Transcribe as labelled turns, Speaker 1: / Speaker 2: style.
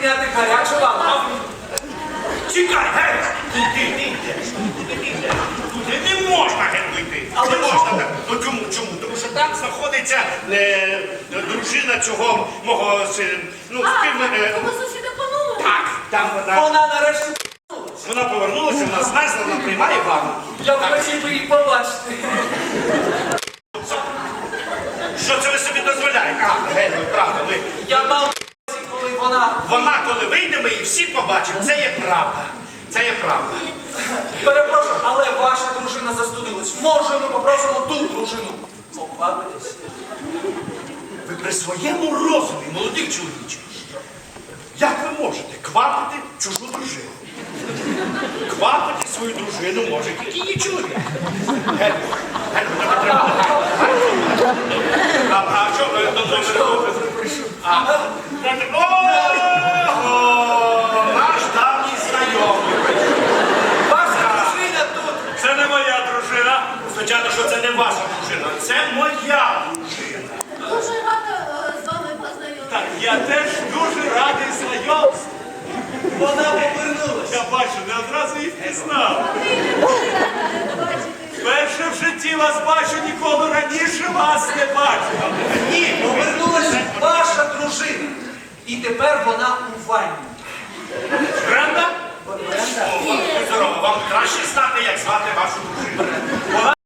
Speaker 1: прийняти гарячу ванну.
Speaker 2: Чекай, гей! Ти йдеш? Туди не можна, Генко, йти.
Speaker 1: Але
Speaker 2: Не можна
Speaker 1: чому?
Speaker 2: так. Ну чому? Тому що там знаходиться дружина цього мого
Speaker 3: Тому сусіда понули.
Speaker 2: Так, там вона.
Speaker 1: Вона нарешті
Speaker 2: Вона повернулася, вона знайшла, вона приймає ванну.
Speaker 1: я б хотів би її побачити.
Speaker 2: Що це ви собі дозволяєте? А, Генко, правда, ви.
Speaker 1: Я мав коли вона...
Speaker 2: Вона, коли вийде, ми її всі побачимо. Це є правда. Це є правда.
Speaker 1: Перепрошую, але ваша дружина застудилась. Може, ми попросимо ту дружину поквапитись?
Speaker 2: Ви при своєму розумі, молодий чоловіче, як ви можете квапити чужу дружину? Квапити свою дружину може тільки її чоловік. Генко, тебе треба. А що ви до номера? Ого! Наш давній знайомий.
Speaker 1: Ваша дружина тут.
Speaker 2: Це не моя дружина. Звичайно, що це не ваша дружина. Це моя дружина.
Speaker 3: Дуже рада з вами познайомитися.
Speaker 4: Так, я теж дуже радий знайомству.
Speaker 1: Вона повернулась.
Speaker 4: Я бачу, не одразу їх пізнав.
Speaker 3: Бачите.
Speaker 4: Вперше в житті вас бачу, ніколи раніше вас не бачив.
Speaker 1: Ні, повернулась ваша дружина. І тепер вона у ванні.
Speaker 2: Бренда?
Speaker 1: Бренда?
Speaker 2: О, здорово, вам краще знати, як звати вашу дружину.